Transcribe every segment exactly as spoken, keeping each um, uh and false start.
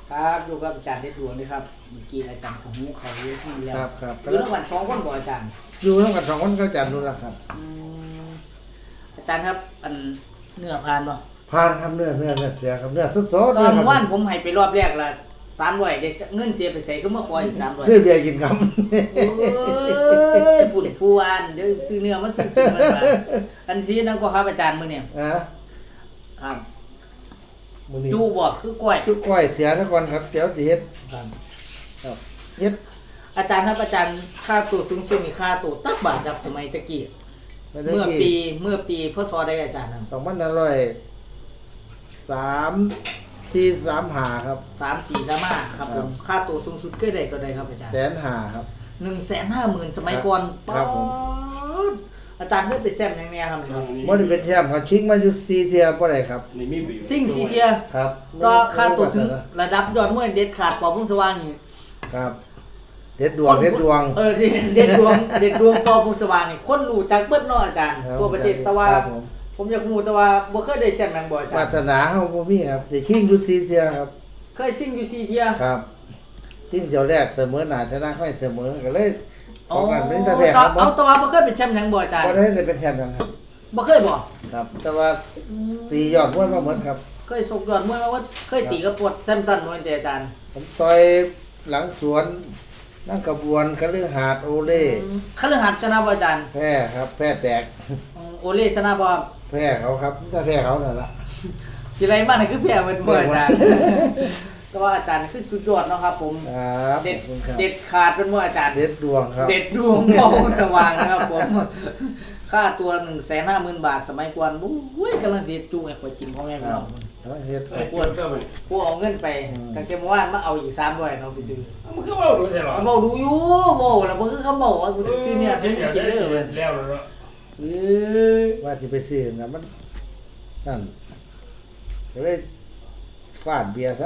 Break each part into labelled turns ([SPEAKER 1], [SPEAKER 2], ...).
[SPEAKER 1] ครับอยู่กับอาจารย์เด็ดดวงเลยครับเมื่อกี้อาจารย์ของหูเขาเยอะที่แล้ว
[SPEAKER 2] ครับครับ
[SPEAKER 1] อยู่ระหว่างสองคนบ่อาจารย์
[SPEAKER 2] อยู่ทั้งกันสองคนก็อาจารย์รู้แล้วครับ
[SPEAKER 1] อืมอาจารย์ครับอันเนื้อพานบ่
[SPEAKER 2] ผ่านครับเนื้อเนื้อเนื้อเสียครับเนื้อสดๆ
[SPEAKER 1] ตอ
[SPEAKER 2] เลย
[SPEAKER 1] น
[SPEAKER 2] ครับ
[SPEAKER 1] ว่านผมให้ไปรอบแรกละสามร้อยเด็กเงินเสียไปใส่ก็มาขออีกสามร้อย
[SPEAKER 2] ซื้อเบียร์กินครับ
[SPEAKER 1] โอ้ยปุ่นผู้อ่านเดี๋ยวซื้อเนื้อมาซื้อกินมันมาอันซีนั่นก็ครับอาจารย์มื้อเนี่ย
[SPEAKER 2] อ่ะ
[SPEAKER 1] ครับ
[SPEAKER 2] มื้อนี้
[SPEAKER 1] จูบ่คือกล้วย
[SPEAKER 2] จุกก้อยเสียซะก่อนครับเดี๋ยวสิเฮ็ด
[SPEAKER 1] ครับ
[SPEAKER 2] ครับเฮ็ด
[SPEAKER 1] อาจารย์ครับอาจารย์ค่าตัวสูงสุดนี่ค่าตัวตักบาทครับสมัยตะกี้
[SPEAKER 2] ไม่ได้
[SPEAKER 1] เมื่อ
[SPEAKER 2] กี่
[SPEAKER 1] ปีเมื่อปีพศใดอาจารย์ครับ
[SPEAKER 2] สองพันห้าร้อยสามสี่สามห้าครับ
[SPEAKER 1] สามสี่สามห้าครับผมค่าตัวสูงสุดก็ได้ก็ได้ครับอาจารย์
[SPEAKER 2] แสนห้าครับ
[SPEAKER 1] หนึ่งแสนห้าหมื่นสมัยก่อน
[SPEAKER 2] ครับผม
[SPEAKER 1] ป๊าดอาจารย์เคยไปแซมอย่างเนี้ยครับครับ
[SPEAKER 2] บ่ได้เป็นแชมป์ครับชิงมาอยู่สี่เที่ยบ่ได้ครับ
[SPEAKER 3] นี่มีประโยชน์
[SPEAKER 1] ซิ่งสีเทีย
[SPEAKER 2] ครับ
[SPEAKER 1] ก็ค่าตัวถึงระดับยอดมวยเด็ดขาดปอพุ่งสว่างนี่
[SPEAKER 2] ครับ เด็ดดวงเด็ดดวง
[SPEAKER 1] เออเด็ดเด็ดดวงเด็ดดวงปอพุ่งสว่างนี่คนรู้จักเบิดเนาะอาจารย์
[SPEAKER 2] ครับ
[SPEAKER 1] ทั่วประเทศแต่ว่า
[SPEAKER 2] ครับผม
[SPEAKER 1] ผมอยากรู้แต่ว่าบ่เคยได้แซมหนังบ่อาจาว
[SPEAKER 2] าร
[SPEAKER 1] ย์
[SPEAKER 2] สนาเฮาบ่มีครับสิชิงอยู่สี่เที่ยครับ
[SPEAKER 1] เคยซิ่งอยู่สี่เทีย
[SPEAKER 2] ครับทิ้งเที่ยวแรกเสมอหน้าชนะค่อยเสมอก็เลย
[SPEAKER 1] อ๋อ
[SPEAKER 2] ของกันเป็นตะแพ้ครับ
[SPEAKER 1] เอาแต่ว่าบ่เคยเป็นแชมป์หนังบ่อาจารย์
[SPEAKER 2] บ่ได้เลยเป็นแชมป์กันครับ
[SPEAKER 1] บ่เคยบ่
[SPEAKER 2] ครับ แต่ว่าตียอดมวยมาหมดครับ
[SPEAKER 1] เคยสกยอดมวยมาว่าเคยตีกับปวดแซมสันมวยแต่อาจารย์
[SPEAKER 2] ผมต่อยหลังสวนนั่งกระบวนคฤหาสน์โอเล่
[SPEAKER 1] คฤหัสถ์ชนะบ่อาจารย์
[SPEAKER 2] แพ้ครับ แพ้แตก
[SPEAKER 1] อืมโอเล่ชนะบ่
[SPEAKER 2] แพ้เขาครับถ้าแพ้เขานั่นละ
[SPEAKER 1] สิไรมานี่คือแพ้เหมือนบ่อาจารย์แต่ว่าอาจารย์คือสุดยอดเนาะครับผม
[SPEAKER 2] ครับ
[SPEAKER 1] เด็ด
[SPEAKER 2] ขอบคุณครับ
[SPEAKER 1] เด็ดขาดเป็นว่าอาจารย์
[SPEAKER 2] เด็ดดวงครับ
[SPEAKER 1] เด็ดดวงมองสว่างนะครับผม ค่าตัวหนึ่งแสนห้าหมื่นบาทสมัยก่อนอุ้ยกำลังเสียจูให้ข่อยกินพ่อแม่พี่น้อง
[SPEAKER 2] แล้วเฮ็ด
[SPEAKER 3] ไอ้ปวดก็มัน
[SPEAKER 1] ผู้เอาเงินไปกางเกงเมื่อวานมาเอาอีกสามร้อยเนาะไปซื้อ
[SPEAKER 3] มันก็ว่าดูใช่หรอ
[SPEAKER 1] เขาบอกดูอยู่บอกแล้วมันคือเขาบอกว่ากูจะซื้อเนี่ยซื้อกินเลยเว้ย
[SPEAKER 3] แล้วแล้ว
[SPEAKER 1] เอ้ย
[SPEAKER 2] ว่าที่ไปซื้อนะมันนั่นก็เลยฟาดเบียร์ซะ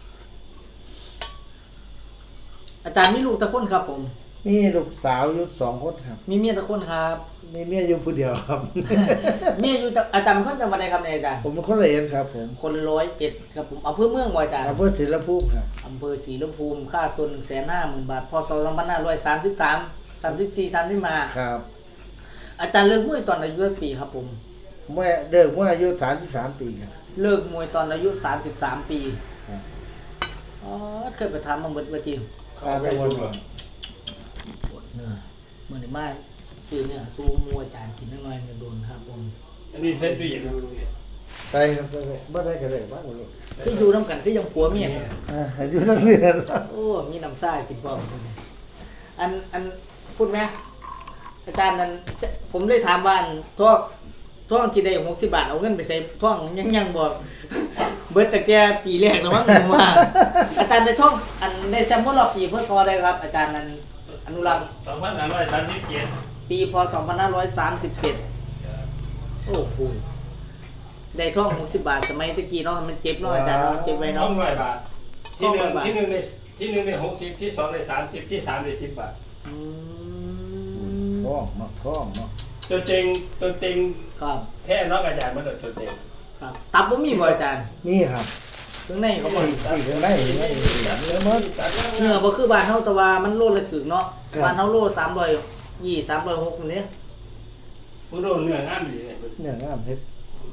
[SPEAKER 1] อาจารย์มีลูกตะคนครับผม
[SPEAKER 2] มีลูกสาวอยู่สองคนครับ
[SPEAKER 1] มีเมียตะคนครับ
[SPEAKER 2] มีเมียอยู่ผู้เดียวครับ
[SPEAKER 1] เมียอยู่จังอาจารย์เป็นคนจังหวัดใดครับเนี่ยอาจารย์
[SPEAKER 2] ผมเป็นคนละเอียดครับผม
[SPEAKER 1] คนร้อยเอ็ดครับผมอำเภอเมืองบ่อาจารย์
[SPEAKER 2] อำเภอศรีละภูมิครับ
[SPEAKER 1] อำเภอศรีลมพูมค่าตัวหนึ่งแสนห้าหมื่นบาทพศสองพันห้าร้อยสามสิบสามสามสิบสี่สามสิบห้า
[SPEAKER 2] ครับ
[SPEAKER 1] อาจารย์เลิกมวยตอนอายุกี่ปีครับผม
[SPEAKER 2] เมื่อเด็กเมื่ออายุสามสิบสามปีครับ
[SPEAKER 1] เลิกมวยตอนอายุสามสิบสามปี
[SPEAKER 2] ครับ
[SPEAKER 1] อ๋อเคยไปทำมาเบิดเวที
[SPEAKER 3] เข้าไปดูอ่ะ
[SPEAKER 1] ปวดเนื้อเมื่อไหร่ไม่ซื้อเนี่ยสู้มวยอาจารย์กินน้อยๆเนี่ยโดนครับผม
[SPEAKER 3] อันนี้เส้นตู้เย็นดูดู
[SPEAKER 2] ใช่ครับใช่บ่ได้ก็ได้บ้างลูก
[SPEAKER 1] คืออยู่น้ำกันคือยังผัวเมียกัน
[SPEAKER 2] อ่าอายุนักเรียน
[SPEAKER 1] โอ้มีน้ำซ่ากินพร้อมกันอันอันพูดไหมอาจารย์นั้นผมเลยถามว่าอันท่อท่องกินได้หกสิบบาทเอาเงินไปใส่ท่องยังยังบอกเบิดแต่แกปีแรกแล้วมั้งผมว่าอาจารย์ได้ท่องอันในแซมมอนรอบปีพศได้ครับ อาจารย์นั้นอนุรักษ์
[SPEAKER 3] สองพันห้าร้อยสามสิบเจ็ด
[SPEAKER 1] ปีพศสองพันห้าร้อยสามสิบเจ็ดโอ้โหได้ท่องหกสิบบาทสมัยตะกี้เนาะมันเจ็บเนาะอาจารย์เนาะเจ็บไว้
[SPEAKER 3] สอ
[SPEAKER 1] เนาะ
[SPEAKER 3] งร้อยบาทที่หนึ่ง
[SPEAKER 1] สองร้อยบาท
[SPEAKER 3] ที่หนึ่งในที่หนึ่งในหกสิบที่สองในสามสิบที่สามในสิบบาท
[SPEAKER 1] อืม
[SPEAKER 2] ท้องเนาะท้องเนาะ
[SPEAKER 3] ตัวจริงตัวจริง
[SPEAKER 1] ครับ
[SPEAKER 3] แพ้น้องอาจารย์มาตัวตัวจริง
[SPEAKER 1] ครับตับบ่มีบ่อาจารย์
[SPEAKER 2] มีครับ
[SPEAKER 1] ถึงในเขาบอก
[SPEAKER 2] ที่ข้างในนี่ไม่มีเนื้อมัน
[SPEAKER 1] เนื้อบ่คือบ้านเฮาแต่ว่ามันโลละถึงเนาะ
[SPEAKER 2] ครับ
[SPEAKER 1] บ้านเฮาโลสามร้อยยี่สามร้อยหกนี่
[SPEAKER 3] มึงโดนเนื้องามดีเลย
[SPEAKER 2] เนื้องามเฮ็ด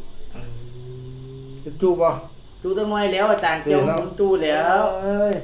[SPEAKER 2] จะจูบ่
[SPEAKER 1] จูตั้งน้อยแล้วอาจารย์เกี่ยวผมจูแล้ว
[SPEAKER 2] เอ้ย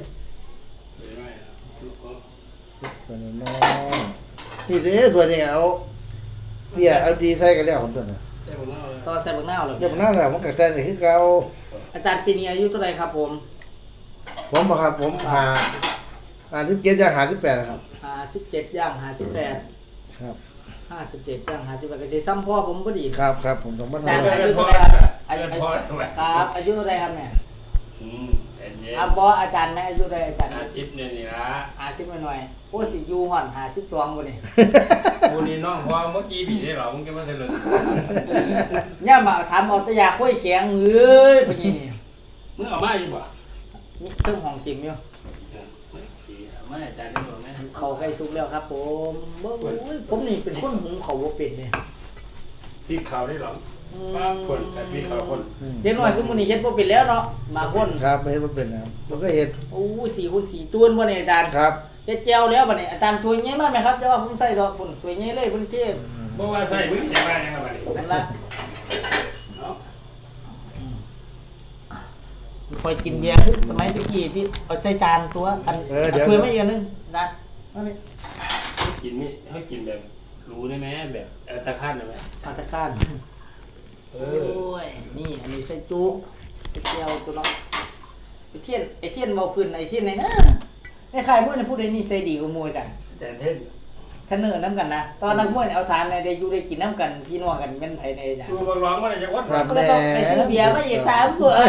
[SPEAKER 2] ตัวนี้น้องนี่เด้อตัวนี้เอาเบียร์เอาดีใส่กันแล้วผมตัวน่ะ
[SPEAKER 1] ต่อใส่บักนาวเลย
[SPEAKER 2] เดี๋ยวมันน่าแล้วมันก็ใส่ได้คือเก่า
[SPEAKER 1] อาจารย์ปีนี้อายุเท่าไหร่ครับผม
[SPEAKER 2] ผมบ่ครับผมหาหาสิบเจ็ดย่างหาสิบแปดครับ
[SPEAKER 1] ห้าสิบเจ็ดย่างห้าสิบแปด
[SPEAKER 2] ครับ
[SPEAKER 1] ห้าสิบเจ็ดย่างห้าสิบแปดก็สิซ้ำพ่อผมพอดี
[SPEAKER 2] ครับครับผมต้องมา
[SPEAKER 1] อาจารย์
[SPEAKER 2] ทำ
[SPEAKER 1] อายุเท่าไหร่ครับอายุ
[SPEAKER 3] เกินพอทำไม
[SPEAKER 1] ครับอายุเท่าไหร่ครับเนี่ย
[SPEAKER 3] อืมเย็นเย็น
[SPEAKER 1] อ่ะบ่อาจารย์แม่อายุเท่าไหร่อาจารย์
[SPEAKER 3] อาทิตย์เนี่ยนี่ละ
[SPEAKER 1] ห้าสิบหน่อยๆโอ้สิอยู่ห่อนห้าสิบสองบ่นี่
[SPEAKER 3] กูนี่น้องพอเมื่อกี้ผีได้หรอมึงจะมาเถลิง
[SPEAKER 1] เนี่ยมาถามเอาแตะยาค่อยแข็งเอ้ยพะนี่นี่
[SPEAKER 3] มึงเอามาอยู่บ่
[SPEAKER 1] มีเครื่องห้องจิมอยู่
[SPEAKER 3] ไม่อาจารย์ได้บอกไหม
[SPEAKER 1] เขาใกล้สุกแล้วครับผมบ่โอ้ยผมนี่เป็นคนหุงเขาวบ่เป็นเนี่ย
[SPEAKER 3] ที่เขาได้หรอ
[SPEAKER 1] อ
[SPEAKER 3] ว่าคนกับพี่เขาคน
[SPEAKER 1] เด็กน้อยสมมุตินี่เฮ็ดบ่เป็นแล้วเนาะบางคน
[SPEAKER 2] ครับไม่เห็นว่าเป็นนะครับผมก็เห็น
[SPEAKER 1] โอ้สี่คูณสี่จวนบ่เนี่ยอาจารย์
[SPEAKER 2] ครับ
[SPEAKER 1] เฮ็ดแจวแล้วบัดนี้อาจารย์ถ้วยใหญ่มากไหมครับจะว่าผมใส่ดอกพุ่นถ้วยใหญ่เลยเพิ่นเทศ
[SPEAKER 3] เพราะว่าใส่มึงจะมาอย่างไร
[SPEAKER 1] นั่นล่ะ
[SPEAKER 3] เนาะ
[SPEAKER 1] คอยกินเบียร์คือสมัยตะกี้ที่เอาใส่จานตัวอันถ้วยมาอีกอันนึงนะมานี่
[SPEAKER 3] กินไม่ให้กินแบบรู้ได้ไหมแบบตะขั้นได้ไหม
[SPEAKER 1] ปาตะคาน
[SPEAKER 3] เอ
[SPEAKER 1] โอ้
[SPEAKER 3] อย
[SPEAKER 1] นี่อันนี้ใส่จุใส่แจวตัวเนาะไอ้เทียนไอ้เทียนเว้าพื้นไอ้เทียนไหนนะไอ้ใครมื้อนี่ผู้ใดมีใส่ดีกว่าหมู่จ้ะ
[SPEAKER 3] แต่เท่น
[SPEAKER 1] คันเนื้อน้ำกันนะตอนนักมวยเนี่ยเอาทานในได้อยู่ได้กินน้ำกันพี่น้องกันเป็นไผในจ้ะ
[SPEAKER 3] ดูบางร้องว่าจะวัด
[SPEAKER 2] ครับ
[SPEAKER 1] ก็
[SPEAKER 2] แน่
[SPEAKER 1] ต้องไปซื้อเบียร์มาอีกสามขวด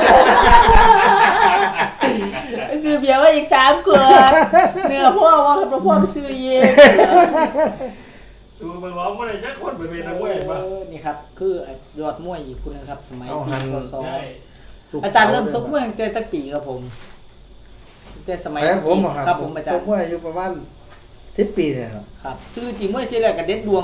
[SPEAKER 1] ไปซื้อเบียร์มาอีกสามขวดเนื้อพ่อว่ากับพ่อไปซื้อเอง
[SPEAKER 3] ดูบางร้องว่าจะวัดไปเป็นนักมวยป่ะ
[SPEAKER 1] เออนี่ครับคือยอดมวยอีกคนนึงครับ สมัย
[SPEAKER 2] เอา
[SPEAKER 1] ปี
[SPEAKER 2] หัน
[SPEAKER 1] พศ
[SPEAKER 3] ใช่
[SPEAKER 1] อาจารย์เริ่มซกมวยตั้งแต่ตะปีครับผมตั้งแต่สมัย
[SPEAKER 2] แต่ผมอะ
[SPEAKER 1] ครับผมอาจาร
[SPEAKER 2] ผ
[SPEAKER 1] ย์
[SPEAKER 2] มว่าอายุประมาณสิบปีเนี่ยครับ
[SPEAKER 1] ครับซื้อจริงมวยที่แรกกับเด็ดดวง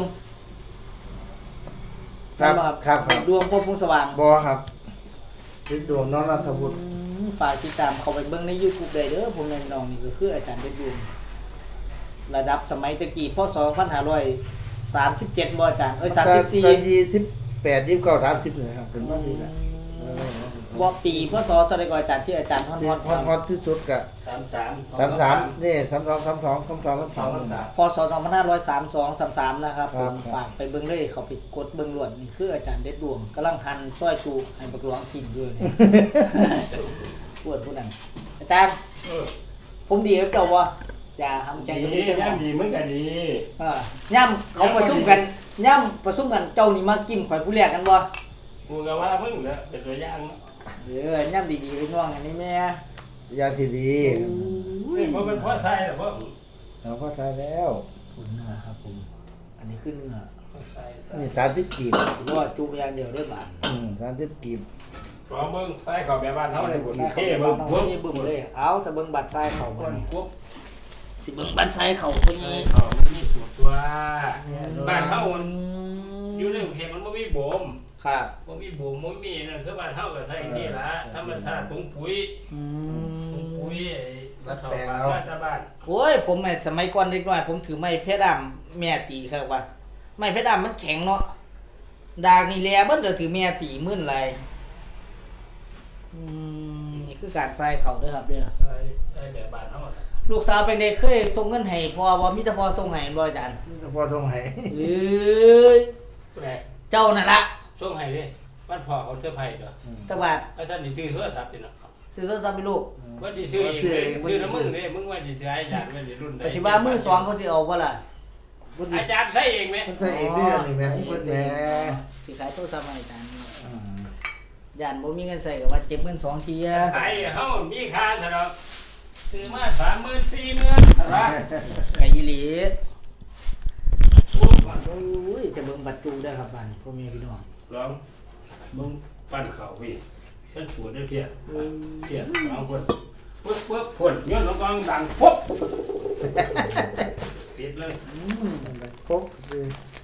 [SPEAKER 2] ครับ
[SPEAKER 1] แม่นบ่
[SPEAKER 2] ครับครับ
[SPEAKER 1] ดวงพวกพงสว่าง
[SPEAKER 2] บอครับเป็นดวงน้องรัฐบุตร
[SPEAKER 1] อืมฝากติดตามเขาไปเบิ่งใน YouTube ได้เด้อผมแม่นน้องนี่ก็คืออาจารย์เด็ดดวงระดับสมัยตะกี้พศสองพันห้าร้อยสามสิบเจ็ดบ่อาจารย์เอ้ยสามสิบสี่
[SPEAKER 2] ตอนยี่สิบแปดยี่สิบเก้าสามสิบเลยครับเป็นว่าปีละเออ
[SPEAKER 1] บ่ปีพศเท่าใดก็อาจารย์ที่อาจารย์ฮอน
[SPEAKER 2] ที่
[SPEAKER 1] ฮอน
[SPEAKER 2] ฮอตฮอตที่สุดกะ
[SPEAKER 3] สามสาม
[SPEAKER 2] สามสามนี่สามสองสามสองสามสองสามสองสามสาม
[SPEAKER 1] พศสองพันห้าร้อยสามสิบสอง สามสิบสามนะครับผ
[SPEAKER 2] ครับ
[SPEAKER 1] มฝากไปเบิ่งเลยเขาไปกดเบิ่งล้วนนี่คืออาจารย์เด็ดดวงกำลังหั่นซอยจูให้บักหลวงกินด้วยนี่ ปวดผู้นั้นอาจารย์
[SPEAKER 3] เออ
[SPEAKER 1] ผมดีกับเจ้าบ่อย่าทำใจ
[SPEAKER 3] ดี
[SPEAKER 1] กับพี่เจ้า
[SPEAKER 3] ย่ำดีมึงก็ดี
[SPEAKER 1] เออย่ำเขาประชุมกันย่ำประชุมกันเจ้านี่มากินข่อยผู้แรกกันบ่
[SPEAKER 3] กูก็ว่ามึงเด้อเป็นตัวอย่างเนาะ
[SPEAKER 1] เออย่ำดีๆไปน้องอันนี้แม่
[SPEAKER 2] ยาที่ดี
[SPEAKER 3] นี่มันเป็นพ่อใส่หรอพ่อ
[SPEAKER 2] เราก็ใช้แล้ว
[SPEAKER 1] คุณเนื้อครับผมอันนี้คือเนื้อ
[SPEAKER 3] พ่อใส่
[SPEAKER 2] นี่สามสิบกีบ
[SPEAKER 1] สิว่าจุกอย่างเดียวเด้อบาด
[SPEAKER 2] อืมสามสิบกีบ
[SPEAKER 3] รอมึงใส่เขาแบบบ้านเขาเลยบุญ
[SPEAKER 1] ใส่เขา
[SPEAKER 3] เท่
[SPEAKER 1] ไป
[SPEAKER 3] มึ
[SPEAKER 1] บ้าง น
[SPEAKER 3] พว
[SPEAKER 1] เฮาก นี่บึ้มเลยเอาแต่เบิ่งบัตรใส่เขา
[SPEAKER 3] ค
[SPEAKER 1] บ่
[SPEAKER 3] น
[SPEAKER 1] นี่
[SPEAKER 3] พวก
[SPEAKER 1] สิเบิ่งบัตรใส่เขาพุ่น
[SPEAKER 3] ใส่
[SPEAKER 1] นี้
[SPEAKER 3] เขามีสูตรตัวบ้านเขามันอยู่ในเขตมันไม่มีบ่ม
[SPEAKER 1] ครับ
[SPEAKER 3] บ่มีบ่มบ่มีนั่นคือบ้านเฮาก็ใส่ที่ละธรรมชาติถุงปุ๋ย
[SPEAKER 1] อื
[SPEAKER 3] ถุง
[SPEAKER 1] ม
[SPEAKER 3] ปุ๋ยรัดแปลงเอาบ้านบ้าน
[SPEAKER 1] โอ้ยผมไอ้สมัยก่อนเด็กน้อยผมถือไม้เพชรดำแม่ตีครับว่าไม้เพชรดำมันแข็งเนาะดากนี่แลเบิดเดี๋ยวถือแม่ตีมื่นไรอืมนี่คือการใส่เขาเด้อครับเด้อ
[SPEAKER 3] ใส่ใส่แบบบ้านเฮา
[SPEAKER 1] ลูกสาวเป็นเด็กเคยส่งเงินให้พ่อบ่มีแต่พ่อส่งให้บ่อาจารย์
[SPEAKER 2] นี่ก็พอตรงไหน
[SPEAKER 1] เอ้ย
[SPEAKER 3] ผู้ใด
[SPEAKER 1] เจ้านั่นละ
[SPEAKER 3] ช่วงให้ดิบ้านพ่อเขาเสื้อผ้าเด้อ
[SPEAKER 1] จักบาท
[SPEAKER 3] ไอ้ท่านสิซื้อโทรศัพท์นี่เนาะ
[SPEAKER 1] ซื้อโทรศัพท์ให้ลูก
[SPEAKER 3] ว่าสิซื้อเองเลยซื้อน้ำมึงเด้มึงว่าสิซื้อให้อาจารย์ว่าสิรุ่นใด
[SPEAKER 1] ปัจจุบันมือสองเขาสิเอาบ่ล่ะ
[SPEAKER 3] อาจารย์ใช้เองไหม
[SPEAKER 2] มันใส่เองด้วยนี่แม่พูดแม่
[SPEAKER 1] สิขายโทรศัพท์ให้อาจารย์
[SPEAKER 2] อืม
[SPEAKER 1] ย่านบ่มีเงินใส่ก็ว่าเจ็บเงินสองทีอะ
[SPEAKER 3] ขายเฮามีค่าซะดอกซื้อมาสามหมื่นสี่หมื่นอะไร
[SPEAKER 1] ไก่อีหลีโอ้ยจะเบิ่งบัตรจูได้ครับบ้านพ่อแม่พี่น้อง
[SPEAKER 3] ลองมึงปั้นเขาพี่ฉันสวนได้เพียเพียลองคนปึ๊บปึ๊บคนย้อนลงกองดังปุ๊บปิดเลย
[SPEAKER 1] อืม
[SPEAKER 2] ครบเลย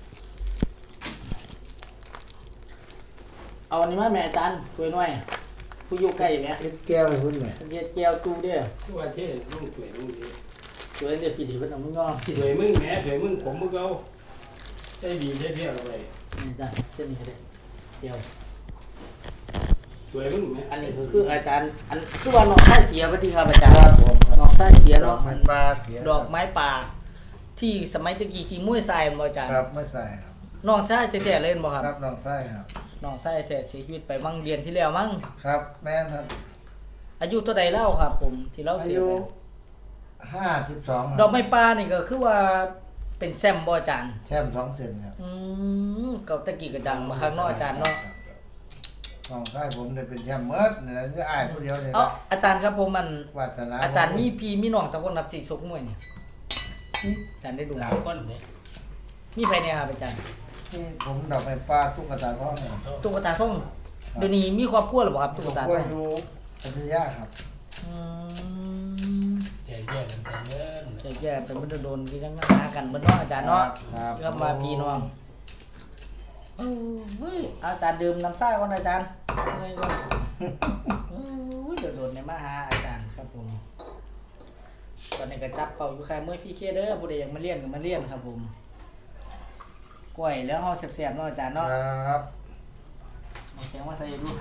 [SPEAKER 1] เอาอันนี้มาแม่อาจารย์คุยหน่อยผู้อยู่ใกล้แม่
[SPEAKER 2] เอ็ดแก้วให้พุ่นแม่
[SPEAKER 1] เฮ็ดแก้วจูเด้อ
[SPEAKER 3] ทุกวันที่ลุงสวยลุงดี
[SPEAKER 1] สวยเด้อพี่ที่เพิ่นเอามึงงอ
[SPEAKER 3] สวยมึงแหมสวยมึงผมมึงเอาได้ดีได้เพียอะไร
[SPEAKER 1] นี่อาจารย์เส้นนี้ก็ได้เดียว
[SPEAKER 3] สวยมึงแหม
[SPEAKER 1] อันนี้ก็คืออาจารย์อันคือว่าน้องไส้เสียปฏิครับอาจารย์
[SPEAKER 2] ครับผมครับ
[SPEAKER 1] น้องไส้เสีย
[SPEAKER 2] ดอ
[SPEAKER 1] เนาะ
[SPEAKER 2] กไม้ปลาเสีย
[SPEAKER 1] ดอกไม้ป่า ที่สมัยตะกี้ที่มุ้ยทรายบ่อาจารย์
[SPEAKER 2] ครับไม่ใส่ครับ
[SPEAKER 1] น้องชายแท้ๆเล่นบ่ครับ
[SPEAKER 2] ครับน้องไส้ครับ
[SPEAKER 1] น้องชายแท้เสียชีวิตไปมั่งเดือนที่แล้วมั้ง
[SPEAKER 2] ครับแม่นครับ
[SPEAKER 1] อายุเท่าใดเล่าครับ ผมที่เล่า
[SPEAKER 2] อา
[SPEAKER 1] เสีย
[SPEAKER 2] ยุ
[SPEAKER 1] ไป
[SPEAKER 2] ห้าสิบสอง
[SPEAKER 1] ดอกไม้ป่านี่ก็คือว่าเป็นแซมบ่อาจารย์
[SPEAKER 2] แค่สองเซนครับ
[SPEAKER 1] อืมเก่าตะกี้ก็ดังมาข้างนอกอาจารย์เนาะ
[SPEAKER 2] น้องไส้ผมได้เป็นแชมป์เมิร์ดเนี่ยจะอ่านผู้เดียวเลย
[SPEAKER 1] เอ้า
[SPEAKER 2] นะ
[SPEAKER 1] อาจารย์ครับผมมัน
[SPEAKER 2] วาสนา
[SPEAKER 1] อาจารย์มีพี่มีน้องตะคนนับจิตซกมวยนี่อาจารย์ได้ดู
[SPEAKER 3] สามคนเนี่ย
[SPEAKER 1] มีใครเนี่ยครับอาจารย์
[SPEAKER 2] นี่ผมดอกไม้ปลาตุ๊กตาทองเนี่ย
[SPEAKER 1] ตุ๊กตาส่งเดี๋ยวนี้มีครอบครัวหรือเปล่าครับตุ๊กตา
[SPEAKER 2] ก็
[SPEAKER 1] ส่ง
[SPEAKER 2] อยู่พัทยาครับ
[SPEAKER 1] อืม
[SPEAKER 3] แก่แก่กันแต่เงิน
[SPEAKER 1] แก่ๆเป็นมันจะโดนที่ทั้งหากันเบิ่เนาะอาจารย์เนาะ
[SPEAKER 2] ครับ
[SPEAKER 1] ก็มาพี่น้องเฮ้ยอาจารย์ดื่มน้ำซ่าก่อนอาจารย์เมื่อยก่อนเอ้ยเดี๋ยวโดดในมาหาอาจารย์ครับผมตอนนี้ก็จับเป่าอยู่ใครเมื่อยพี่เคเด้อผู้ใดอยากมาเรียนก็มาเรียนครับผมกล้วยแล้วเฮาแซ่บๆเนาะอาจารย์เนาะ
[SPEAKER 2] ครับ
[SPEAKER 1] เอาแข็งมาใส่ดู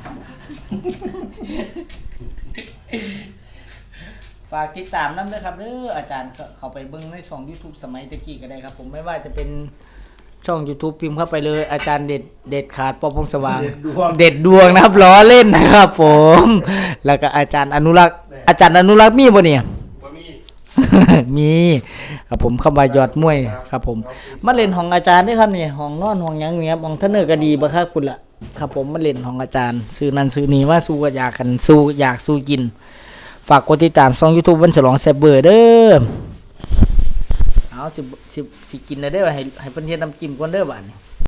[SPEAKER 1] ฝากติดตามน้ำด้วยครับเด้ออาจารย์ก็เข้าไปเบิ่งในช่อง YouTube สมัยตะกี้ก็ได้ครับผมไม่ว่าจะเป็นช่อง YouTube พิมพ์เข้าไปเลยอาจารย์เด็ดเด็ดขาดปอพงสว่าง
[SPEAKER 2] เด็ดดวง
[SPEAKER 1] เด็ดดวงนะครับล้อเล่นนะครับผม แล้วก็อาจารย์อนุรักษ์อาจารย์อนุรักษ์มีบ่เนี่ย
[SPEAKER 3] บ่มี
[SPEAKER 1] มีครับผมเข้ามายอดมวยครับผมมาเล่นของอาจารย์ด้วยครับนี่ห้องนอนห้องหยังเนี้ยห้องเทนเนอร์ก็ดีบ่ครับคุณล่ะครับผมมาเล่นของอาจารย์ซื้อนั่นซื้อนี่ว่าสู้ก็อยากกันสู้อยากสู้กินฝากกดติดตามช่อง YouTube วันฉลองแซ่บเบอร์เด้อเอาสิสิสิกินได้เด้อให้ให้เพิ่นเฮ็ดน้ำจิ้มก่อนเด้อบัดนี้